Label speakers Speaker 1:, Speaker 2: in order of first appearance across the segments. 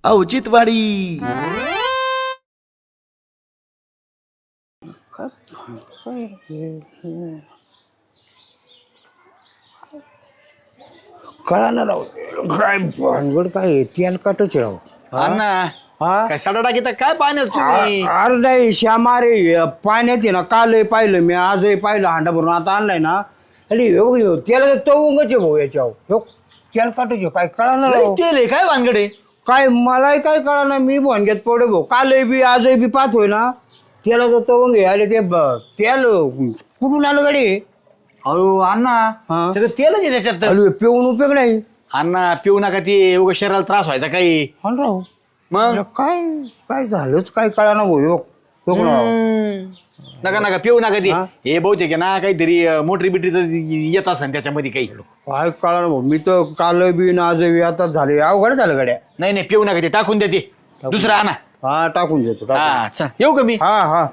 Speaker 1: औचित्यवाडी.
Speaker 2: कळालं राव काय भानगड काय तेल काटच राव.
Speaker 3: अण्णा
Speaker 2: हा
Speaker 3: काय साडा टाकीता काय पाण्यात तुम्ही
Speaker 2: अरे नाही श्यामा रे पाण्यात आहे ना कालही पाहिलं मी आजही पाहिलं हांडा भरून आता आणलाय ना अरे त्याला तो उंगच आहे भाऊ याच्यावर तेल काटच काय कळालं
Speaker 3: लय
Speaker 2: राव
Speaker 3: तेल आहे काय वानगडे
Speaker 2: काय मलाही काय कळालं मी भानग्यात पडे भाऊ कालही बी आजही बी पाहतोय ना त्याला तर तो उंग अरे ते तेल कुठून आलं गाडी
Speaker 3: अहो अण्णा
Speaker 2: हा.
Speaker 3: सगळं तेलच आहे त्याच्यात तर.
Speaker 2: अरे पिऊन उपयोग नाही
Speaker 3: अण्णा पिऊ नका ते उगा शरीराला त्रास व्हायचा काही
Speaker 2: हा ना राव
Speaker 3: मग
Speaker 2: अरे काय काय झालंच काय कळाना भाऊ राव
Speaker 3: नका नका पिऊ नका ते
Speaker 2: हा?
Speaker 3: हे बहुतेक आहे ना काहीतरी मोटरी बिटरीचं येत असेल त्याच्यामध्ये काही
Speaker 2: काय कळाना भाऊ मी तर काल बी ना आज बी आता झाले अवघड झालं गाड्या
Speaker 3: नाही नाही पिऊ नका ते टाकून द्या ते दुसरं आणा
Speaker 2: हा टाकून देतो टाकून.
Speaker 3: हा चल येऊ का मी
Speaker 2: हा हा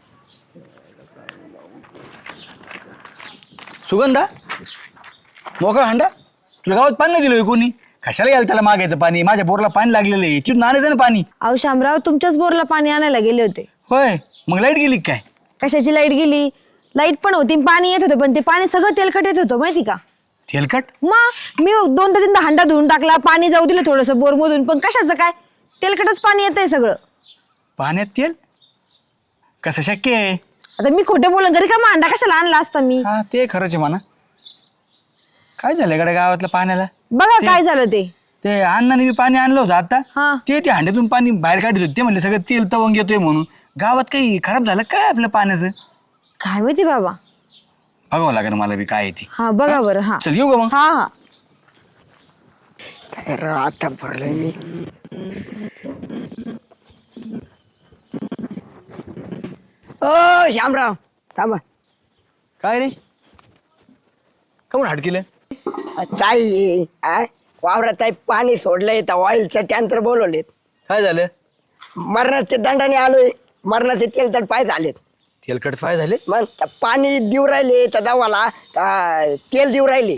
Speaker 3: सुगंधा मोकळा हांडा तुला गावात पाणी नाही दिलं कोणी कशाला यायला त्याला मागायचं पाणी माझ्या बोरला पाणी लागलेलं आहे तिथून आणायचं ना पाणी
Speaker 4: अहो शामराव तुमच्याच बोरला पाणी आणायला गेले होते.
Speaker 3: होय मग लाईट गेली का काय
Speaker 4: कशाची लाईट गेली? लाईट पण होती पाणी येत होतं पण ते पाणी सगळं तेलकट येत होतं माहिती का?
Speaker 3: तेलकट
Speaker 4: मग मी दोनदा तीनदा हांडा धुवून टाकला पाणी जाऊ दिलं थोडंसं बोर मधून पण कशाचं काय तेलकटच पाणी येतंय सगळं.
Speaker 3: पाण्यात तेल कसं शक्य आहे
Speaker 4: आता मी खोटे बोलून घरी का हांडा कशाला आणला असता मी?
Speaker 3: हा ते खरंच आहे म्हणा काय झालं गड्या गावातल्या पाण्याला
Speaker 4: बघा काय झालं ते.
Speaker 3: ते अण्णाने बी पाणी आणलं होतं आता
Speaker 4: हा
Speaker 3: ते हांड्यातून पाणी बाहेर काढत होते ते म्हणले सगळं तेल तवंग येतोय म्हणून गावात काही खराब झालं काय आपल्या पाण्याचं
Speaker 4: काय माहिती बाबा.
Speaker 3: बघावं लागेल मला बी काय आहे ती
Speaker 4: हा बघा बरं. हा
Speaker 3: चल येऊ का मग
Speaker 4: हा हा
Speaker 5: तर आता भरलंय मी ओ श्यामराव थांबा
Speaker 3: काय रे कमून हाट केलं
Speaker 5: ताई वावरात आहे पाणी सोडलंय तर ऑइलचं टँकर बोलवलेत
Speaker 3: काय झालं
Speaker 5: मरणाचे दंडाने आलोय मरणाचे तेल तर पाय झालेत
Speaker 3: तेलकट पाय झाले
Speaker 5: मग त्या पाणी देऊ राहिले तर दवाला तेल देऊ राहिले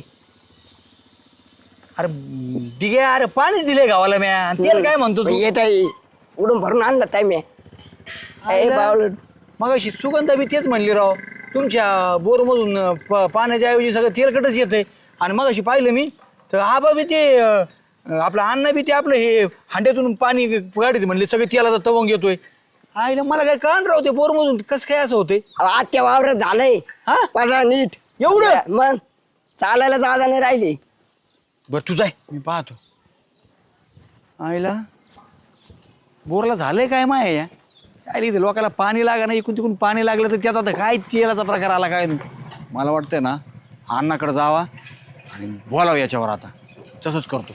Speaker 3: अरे दिगे अरे पाणी दिले गावाला म्या तेल काय म्हणतो तू
Speaker 5: येत आहे उडून भरून आणलं ताई मी बावलं
Speaker 3: मग अशी सुगंधा बी तेच म्हणली राव तुमच्या बोरमधून पाण्याच्या ऐवजी सगळं तेलकटच येतंय आणि मग अशी पाहिलं मी तर आबा बी ते आपलं अण्णा बी ते आपलं हे हांड्यातून पाणी गाडीत म्हणले सगळे तेलाचा तवंग येतोय आईला मला काय कळण राव ते बोरमधून कसं काय असं होतंय
Speaker 5: आत्या वावरात झालंय
Speaker 3: हा?
Speaker 5: माझा नीट
Speaker 3: एवढं?
Speaker 5: मग चालायला जागा नाही राहिली
Speaker 3: बरं तू जाय मी पाहतो आईला बोरला झालंय काय माय या आईला इथे लोकांना पाणी लागा ना इकून तिकून पाणी लागलं तर त्यात आता काय तेलाचा प्रकार आला काय मला वाटतंय ना अण्णाकडे जावा आणि बोलावं याच्यावर आता तसंच करतो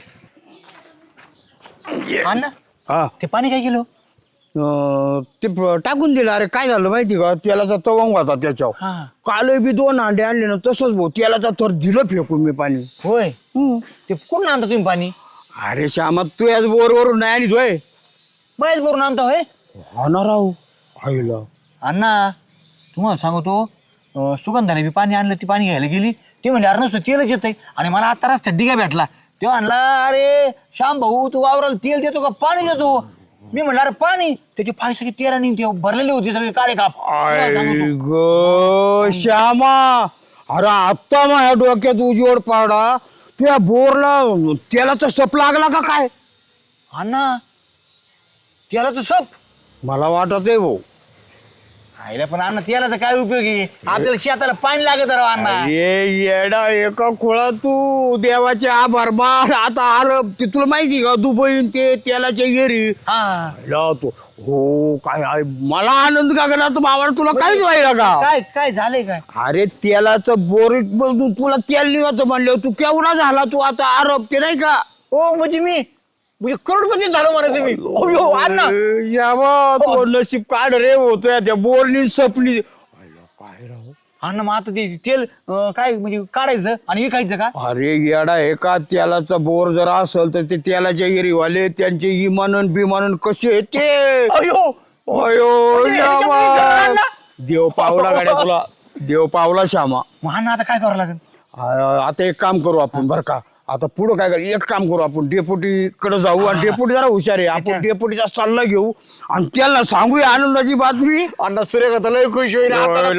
Speaker 3: अण्णा
Speaker 2: हा
Speaker 3: ते पाणी काय केलं
Speaker 2: ते टाकून दिलं अरे काय झालं माहिती का तेलाचा तवंग होता त्याच्यावर
Speaker 3: हा
Speaker 2: काल बी 2 हांडे आणले ना तसंच भाऊ तेलाचा थर दिलं फेकून मी पाणी
Speaker 3: होय ते कुठून आणता तुम्ही पाणी
Speaker 2: अरे श्यामा तू याच बोरवरून नाही आणि होय
Speaker 3: बायच बोरून आणता होय
Speaker 2: हा ना राव आईला
Speaker 3: अण्णा तुम्हाला सांगतो सुगंधाने बी पाणी आणलं ती पाणी घ्यायला गेली ते म्हणजे अरे नुसतं तेलच येतंय आणि मला आता रस्त्यात डिगा भेटला तेव्हा आणला अरे श्याम भाऊ तू वावराला तेल देतो का पाणी देतो मी म्हणलं अरे पाणी त्याचे पाय सगळे तेलाने ते भरलेले होते सगळे काळे काप तुम्हाला सांगतो.
Speaker 2: ग श्यामा अरे आत्ता माझ्या डोक्यात उजवड पाडा तुझ्या बोरला तेलाचा सप लागला का काय
Speaker 3: अण्णा तेलाचं सप
Speaker 2: मला वाटत आहे भाऊ
Speaker 3: आईला पण अण्णा तेलाचा काय उपयोग आहे आपल्याला शेताला पाणी लागत राव अण्णा
Speaker 2: अरे येडा एका खोळा तू देवाचे आभार मान आता आरब ते तुला माहिती का दुबईन ते तेलाच्या येरी
Speaker 3: हा
Speaker 2: तो हो काय आहे मला आनंद का करणार बाबा तुला काहीच व्हायला का
Speaker 3: काय काय झालंय काय
Speaker 2: अरे तेलाचं बोरीक बघून तुला तेल निघत म्हणलं तू केवढा झाला तू आता आरोप ते नाही का
Speaker 3: हो म्हणजे करोडपती झालो मला तुम्ही अयो, अण्णा
Speaker 2: यावा तो नशीब काढ रे होतोय त्या बोरनी सपली काय राव
Speaker 3: अण्णा मग आता ते तेल काय म्हणजे काढायचं आणि विकायचं का
Speaker 2: अरे येडा आहे का तेलाचा बोर जर असेल तर ते तेलाच्या एरीवाले त्यांचे इमानन बिमानन कसे ते
Speaker 3: अयो
Speaker 2: अयो
Speaker 3: म्हणजे
Speaker 2: यावा.
Speaker 3: ह्याच्यामध्ये अण्णा?
Speaker 2: देव पावला गाड्या तुला देव पावला श्यामा
Speaker 3: मग अण्णा आता काय करावं लागेल
Speaker 2: आता एक काम करू आपण बरं का आता पुढं काय करू एक काम करू आपण डेपुटीकडे जाऊ आणि डेपुटी जरा हुशार आहे आपण डेपुटीचा सल्ला घेऊ आणि त्याला सांगूया आनंदाची बातमी
Speaker 3: अण्णा सूर्यकांत लय खुश होईल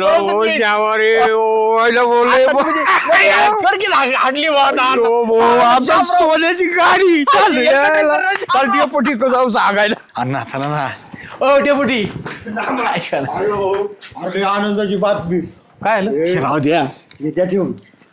Speaker 2: सोन्याची गाडी चाल डेपुटी जाऊ सांगायला
Speaker 3: अण्णा चला ना ओ डेपुटी
Speaker 2: अरे आनंदाची बातमी
Speaker 3: काय राहू द्या
Speaker 2: त्याच्या ठेवून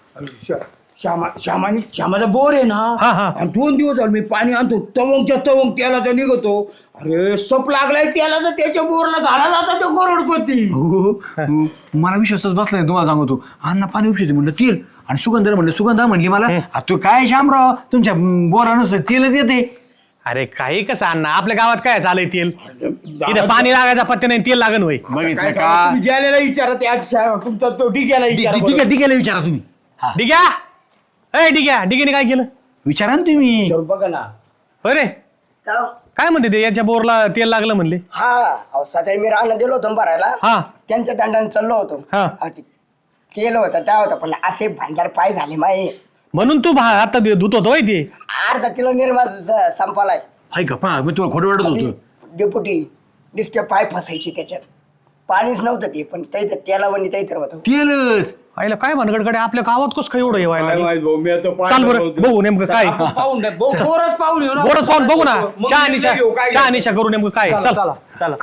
Speaker 2: श्यामाचा बोर आहे ना आणि 2 दिवस झाले मी पाणी आणतो तवंगच्या तवंग त्याला निघतो अरे सप लागलाय त्याला तर त्याच्या बोरला झाला ना आता तो करोडपती
Speaker 3: मला विश्वासच बसला नाही तुम्हाला सांगतो अण्णा पाणी उपशिते म्हणलं तेल आणि सुगंधा म्हणलं सुगंधा म्हणली मला तू काय शामराव तुमच्या बोरा नसतं तेलच येते
Speaker 1: अरे काही कसं अण्णा आपल्या गावात काय चालय तेल इथे पाणी लागायचा पत्ते नाही तेल लागन होय
Speaker 3: बघितलं का
Speaker 2: ज्याला विचारा त्या तुमचा तो डिग्याला विचारा
Speaker 3: डिग्याला विचारा तुम्ही
Speaker 1: डिग्या ए डिग्याने काय केलं
Speaker 3: विचारा ना तुम्ही
Speaker 2: बघा ना
Speaker 1: अरे काय म्हणते ते याच्या बोरला तेल लागलं म्हणले
Speaker 5: हा सकाळी मी राहणं दिलो होतो भरायला
Speaker 1: हा
Speaker 5: त्यांच्या दंडाने चाललो होतो
Speaker 1: हा.
Speaker 5: केलं होतं त्या होतं पण असे भांडार पाय झाले माये
Speaker 1: म्हणून तू आता धुत होतो होय ते
Speaker 5: अर्धा किलो निर्मा संपालाय
Speaker 3: ऐका पहा मी तुम्हाला खोटं वाटत होतं
Speaker 5: डेपुटी दिसते पाय फसायची त्याच्यात पाणीच नव्हतं ते पण त्याला वणी तर होतं
Speaker 3: तेलच
Speaker 1: आईला काय भानगडकडे आपल्या गावात कस काय एवढं येवायला
Speaker 2: काय
Speaker 1: लागलं?
Speaker 2: माहित भाऊ, मी आता
Speaker 1: चाल
Speaker 2: पाहिलं
Speaker 1: बरं
Speaker 2: नव्हतं.
Speaker 1: बघू नेमकं काय
Speaker 2: पाहून द्या. बोरच पाहून येऊ ना.
Speaker 1: बोरच पाहून बघू ना
Speaker 2: मग
Speaker 1: शहानिशा
Speaker 2: घेऊ, काय
Speaker 1: शहानिशा करू नेमकं काय
Speaker 2: चला,
Speaker 1: चल
Speaker 2: चला.
Speaker 1: चला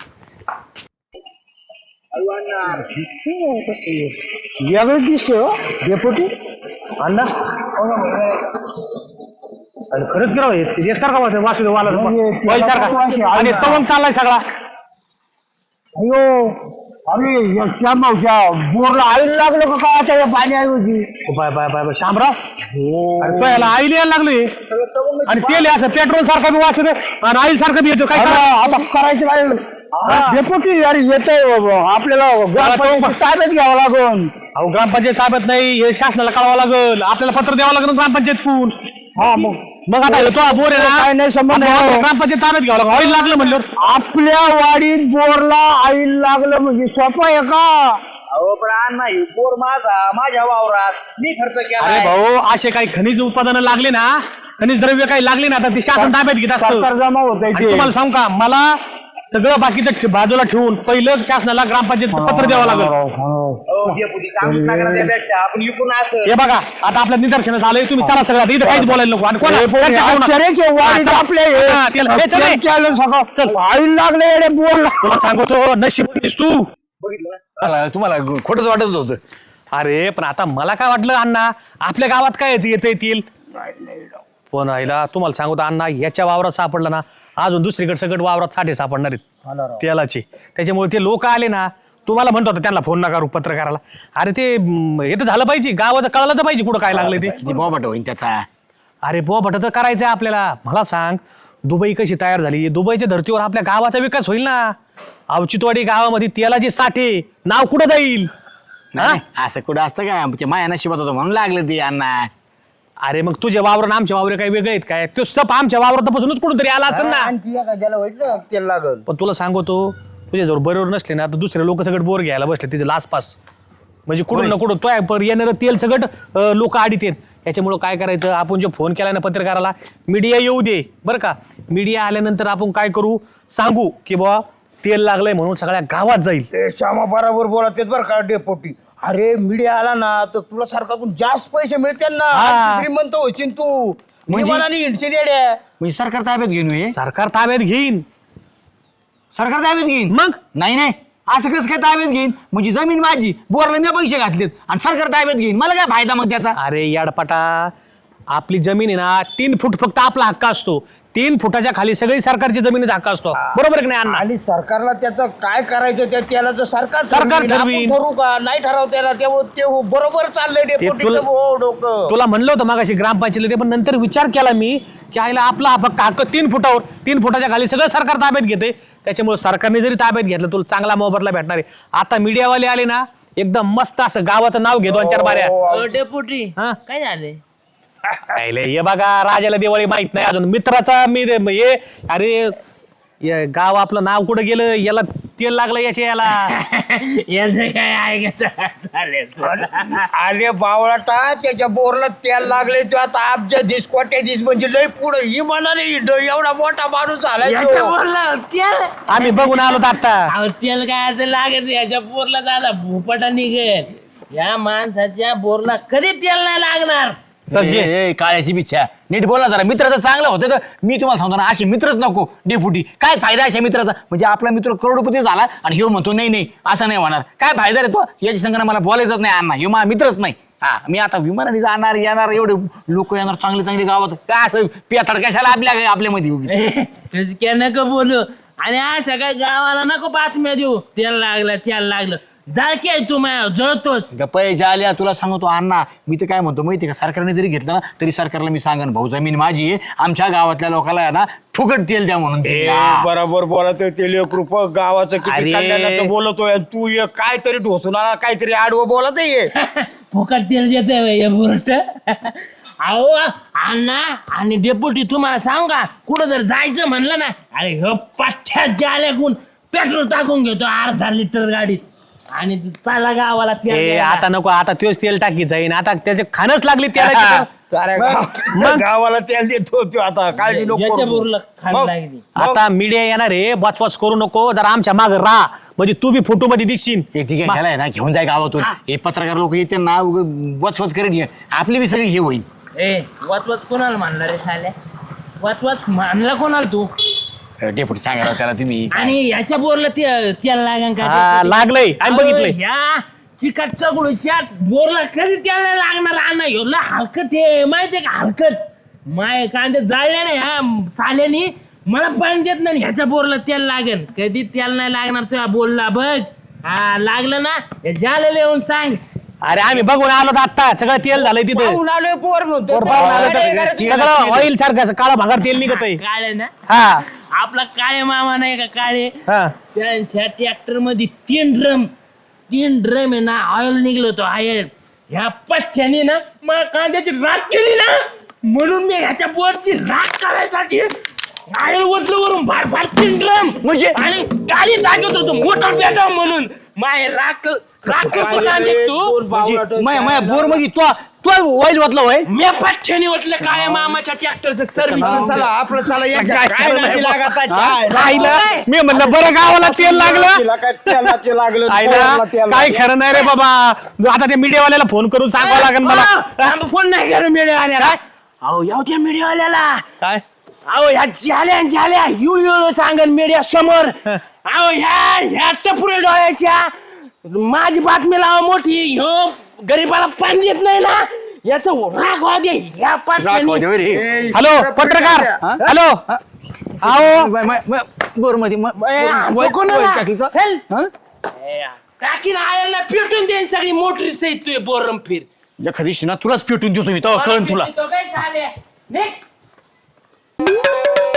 Speaker 2: वेगळं दिसतंय हो डेपुटी
Speaker 1: अण्णा अरे खरंच करावं एकसारखा वाचू सारखा आणि तवंग चाललाय सगळा
Speaker 2: अयो अरे श्यामावच्या बोरला आईला लागलं का काय पाणी आई होती
Speaker 1: bye bye bye bye Shamrao अरे तो याला आईल यायला लागलोय आणि तेल असं पेट्रोल सारखं बी वाचत आणि आईल सारखं बी येतो काय करावं?
Speaker 2: आता करायचं काय डेपुटी अरे येतंय आपल्याला ग्रामपंचायत ताब्यात घ्यावं लागून
Speaker 1: अहो ग्रामपंचायत ताब्यात नाही हे शासनाला कळवावं लागल आपल्याला पत्र द्यावं लागेल ग्रामपंचायतून
Speaker 2: हा
Speaker 1: मग आता येतो हा बोर आहे ना
Speaker 2: काय नाही संबंध
Speaker 1: आता
Speaker 2: आहे.
Speaker 1: ग्रामपंचायत ताब्यात घ्यावं लागलं ऑइल लागलं म्हणल्यावर
Speaker 2: आपल्या वाडीत बोरला आईल लागलं म्हणजे सोपं आहे का
Speaker 6: अहो पण नाही बोर माझ्या वावरात मी खर्च केला
Speaker 1: अरे भाऊ असे काही खनिज उत्पादनं लागले ना खनिज द्रव्य काही लागले ना तर ते शासन ताब्यात घेत असतं
Speaker 2: सरकार जमा होत
Speaker 1: आणि तुम्हाला सांगू का मला सगळं बाकीचं बाजूला ठेवून पहिलं शासनाला ग्रामपंचायत पत्र द्यावं लागलं
Speaker 6: आपण विकून असं
Speaker 1: हे बघा आता आपल्या निदर्शनात आलंय तुम्ही चला सगळं इथं काहीच बोलायला नको आणि
Speaker 2: आईल लागले बोरला
Speaker 1: तुला सांगतो नशीब तू
Speaker 3: तुम्हाला खोटंच वाटत होतं
Speaker 1: अरे पण आता मला काय वाटलं अण्णा आपल्या गावात काय येत येतील पण आईला तुम्हाला सांगतो अण्णा याच्या वावरात सापडलं ना अजून दुसरीकडे सगळं वावरात साठे सापडणार आहेत तेलाचे त्याच्यामुळे ते लोक आले ना तुम्हाला म्हणतो होता त्यांना फोन नका करू पत्रकाराला अरे ते हे तर झालं पाहिजे गावाचं कळलं तर पाहिजे कुठं काय लागलं ते
Speaker 3: बॉबट होईन त्याचा
Speaker 1: अरे बोबट तर करायचंय आपल्याला मला सांग दुबई कशी तयार झाली दुबईच्या धर्तीवर आपल्या गावाचा विकास होईल ना अवचितवाडी गावामध्ये तेलाचे साठे नाव कुठं जाईल
Speaker 3: नाही, असं कुठं असतं काय आमच्या माया नशिबात होतं म्हणून लागलं ते अण्णा
Speaker 1: अरे मग तुझ्या वावर आणि आमच्या वावर काही वेगळे आहेत काय तो सप आमच्या वावरापासूनच कुठून तरी आला असेल ना
Speaker 2: तेल लागल
Speaker 1: पण तुला सांगतो तुझ्या जवळ बरोबर नसले ना तर दुसरे लोक सगळं बोर घ्यायला बसले तिथे लासपास म्हणजे कुठून ना कुठून तो येणारं तेल सगळं लोक आडीत आहेत याच्यामुळं काय करायचं आपण जो फोन केला ना पत्रकाराला मीडिया येऊ दे बरं का मीडिया आल्यानंतर आपण काय करू सांगू की बाबा तेल लागलंय म्हणून सगळ्या गावात जाईल
Speaker 2: श्यामा बरोबर बोलत तेच बरं का डेपोटी अरे मीडिया आला ना तर तुला सरकारकडून जास्त पैसे मिळतील ना
Speaker 1: हा.
Speaker 2: श्रीमंत होशील तू
Speaker 3: म्हणजे?
Speaker 2: मला नाही हिंडशील येड्या.
Speaker 3: म्हणजे सरकार ताब्यात घेऊन ये
Speaker 1: सरकार ताब्यात घेईन
Speaker 3: सरकार ताब्यात घेईन
Speaker 1: मग
Speaker 3: नाही नाही असं कसं काय ताब्यात घेईन म्हणजे जमीन माझी बोरला मी पैसे घातलेत आणि सरकार ताब्यात घेईन मला काय फायदा मग त्याचा
Speaker 1: अरे याडपाटा आपली जमीन आहे ना 3 फूट फक्त आपला हक्क असतो 3 फुटाच्या खाली सगळी सरकारची जमिनीचा हक्क असतो बरोबर आहे की नाही अण्णा
Speaker 2: आणि सरकारला त्याचं काय करायचं त्या त्याला सरकार
Speaker 1: सरकार
Speaker 2: ठरवीन. आपण
Speaker 1: ठरवीन.
Speaker 2: ठरवू का नाही ठरवता येणार त्यामुळे ते बरोबर चाललंय डेपोटीचं डोकं
Speaker 1: तुला म्हणलं होतं मागाशी ग्रामपंचायतीला ते पण नंतर विचार केला मी की आईला आपला फक्त हक्क 3 फुटावर 3 फुटाच्या खाली सगळं सरकार ताब्यात घेते त्याच्यामुळे सरकारने जरी ताब्यात घेतलं तुला चांगला मोबदला भेटणार आहे आता मीडियावाले आले ना एकदम मस्त असं गावाचं नाव घे 2-4 बाऱ्या
Speaker 7: डेपुटी
Speaker 1: हा?
Speaker 7: काय झाले
Speaker 1: आईले, हे बघा राजाला दिवाळी माहित नाही अजून मित्राचा मी हे अरे गाव आपलं नाव कुठं गेलं याला तेल लागलं याच्या याला.
Speaker 6: याचं काय ऐकत
Speaker 2: अरे बावळाटा त्याच्या बोरला तेल लागले तो आता आमच्या दिस कोट्या दिस म्हणजे लय पुढे ही म्हणाले एवढा मोठा माणूस झाला तो.
Speaker 6: तेल
Speaker 1: आम्ही बघून आलो आता.
Speaker 6: अहो, तेल काय असं लागत याच्या बोरला दादा भूपटा निघेल. या माणसाच्या बोरला कधी तेल नाही लागणार.
Speaker 1: तर घे.
Speaker 3: ए, काळ्याची बिच्छा नीट बोला जरा. मित्र तर चांगलं होतं तर मी तुम्हाला सांगतो ना, असे मित्रच नको डेपुटी. काय फायदा अशा मित्राचा? म्हणजे आपला मित्र करोडपती झाला आणि ह्यो म्हणतो नाही नाही असं नाही होणार. काय फायदा रे तो? याची संघाने मला बोलायचंच नाही अण्णा, ह्यो माझा मित्रच नाही. हा मी आता विमानाने जाणार येणार, एवढे लोक येणार चांगले चांगले गावात. काय असं पेथड कशाला आपल्यामध्ये उभी?
Speaker 6: तुझं काय नको बोलू आणि असं काय गावाला नको बातम्या देऊ. तेल लागलं जाळकी आहे तू माझ्या जळतोस.
Speaker 3: पैसे आल्या तुला सांगतो अण्णा. मी तर काय म्हणतो माहिती का, सरकारने जरी घेतलं ना तरी सरकारला मी सांगन भाऊ जमीन माझी आहे, आमच्या गावातल्या लोकांना आहे ना फुकट तेल द्या म्हणून.
Speaker 2: बरोबर बोलतोय ते लेकरूप गावाचं किती
Speaker 1: अरे.
Speaker 2: कल्याणाचं बोलतोय आणि तू ये काहीतरी ढोसून आला काहीतरी आडवं बोलत ये.
Speaker 6: फुकट तेल देते बुरट. अहो अण्णा आणि डेपुटी तुम्हाला सांगू का, कुठं जर जायचं म्हणलं ना, अरे हो पाठ्यात जाल्याकून पेट्रोल टाकून घेतो 1/2 लिटर गाडीत आणि चाला गावाला तेल
Speaker 1: ए
Speaker 6: द्यायला.
Speaker 1: आता नको, आता तोच तेल टाकी जाईन. आता त्याचे खाणच लागली त्याला.
Speaker 2: साऱ्या गावाला तेल देतो तो आता काळजी नको
Speaker 6: याच्या
Speaker 2: करू.
Speaker 6: बोरला खाण
Speaker 2: मग.
Speaker 6: लागली.
Speaker 1: आता मीडिया येणार आहे, बचवाच करू नको. जरा आमच्या माग राहा, म्हणजे तू बी फोटो मध्ये दिसशील.
Speaker 3: एक ठीक आहे आहे ना, घेऊन जाय गावातून. हे पत्रकार लोक येते ना वचवच करेन हे. आपली बी सगळी हे होईल.
Speaker 6: ए वाचवाच कोणाला मानला रे साल्या? वाचवाच मानला कोणाला तू?
Speaker 3: डेपुटी सांगा राव त्याला तुम्ही.
Speaker 6: आणि याच्या बोरला तेल लागन का?
Speaker 1: हा, लागलंय. आम्ही बघितलंय.
Speaker 6: ह्या चिकट चगुळीच्या बोरला कधी तेल नाही लागणार. अण्णा एवढं हलकट आहे माहितीये का? हलकट माय कांदे जाळले नाही ह्या साल्यानी, मला पाणी देत नाही. ह्याच्या बोरला तेल लागेल. कधी तेल नाही लागणार तुझ्या बोलला बघ. हा लागलं ना, हे झालेलं येऊन सांग.
Speaker 1: अरे आम्ही बघून आलो आता, सगळं तेल झालंय तिथे.
Speaker 2: पाहून आलोय पोर म्हणतो.
Speaker 1: वर पाहून आलो तर सगळं ऑइल सारखं काळा भागार तेल निघत आहे.
Speaker 6: काळे ना,
Speaker 1: हा
Speaker 6: आपला काळे मामा नाही का काळे,
Speaker 1: हा.
Speaker 6: त्यांच्या ट्रॅक्टर मध्ये 3 ड्रम आहे ना ऑइल निघलं होतं ऑइल. ह्या पठ्ठ्याने ना मला कांद्याची राख केली ना, म्हणून मी ह्याच्या बोरची राख करायसाठी ऑइल ओतलं वरून फार 3 ड्रम
Speaker 3: म्हणजे?
Speaker 6: आणि गाडी टाकत होतो मोटर पेटाव म्हणून. माय राख करतो का मी तू?
Speaker 3: माया बोर मध्ये तो ऑइल वाटलं होय.
Speaker 6: मी पठ्ठ्याने ओतलं काळ्या मामाच्या ट्रॅक्टरचं सर्व्हिसिंग.
Speaker 2: चला आपलं चला याच्या काय नादी लागत आहे?
Speaker 1: आईला मी म्हणलं बरं गावाला तेल लागलं.
Speaker 2: तिला काय तेलाचं लागलं
Speaker 1: आईला
Speaker 2: पोराला तेल
Speaker 1: काय
Speaker 2: लागलं.
Speaker 1: खरं नाही रे बाबा. आता त्या मीडियावाल्याला फोन करून सांगावं लागेल मला.
Speaker 6: फोन नाही करू मीडियावाल्याला. अहो येऊ त्या मीडियावाल्याला.
Speaker 1: काय
Speaker 6: अहो ह्या झाल्या युळ सांगन मीडिया समोर. अहो ह्या टपुरे डोळ्याच्या माझी बातमी लावा मोठी. ह्यो गरीबाला पाणी देत नाही ना, याचं राग वादे ह्या पाठ्याने.
Speaker 1: हॅलो पत्रकार. हॅलो आओ
Speaker 3: बोर मध्ये
Speaker 6: टाकीन आयला पेटून देईन सगळी मोटरी सहित तू बोरम फिर.
Speaker 3: एखादी शिना तुलाच पेटून देतो मी, तेव्हा कळण तुला.
Speaker 6: तो काय झाले? निघ.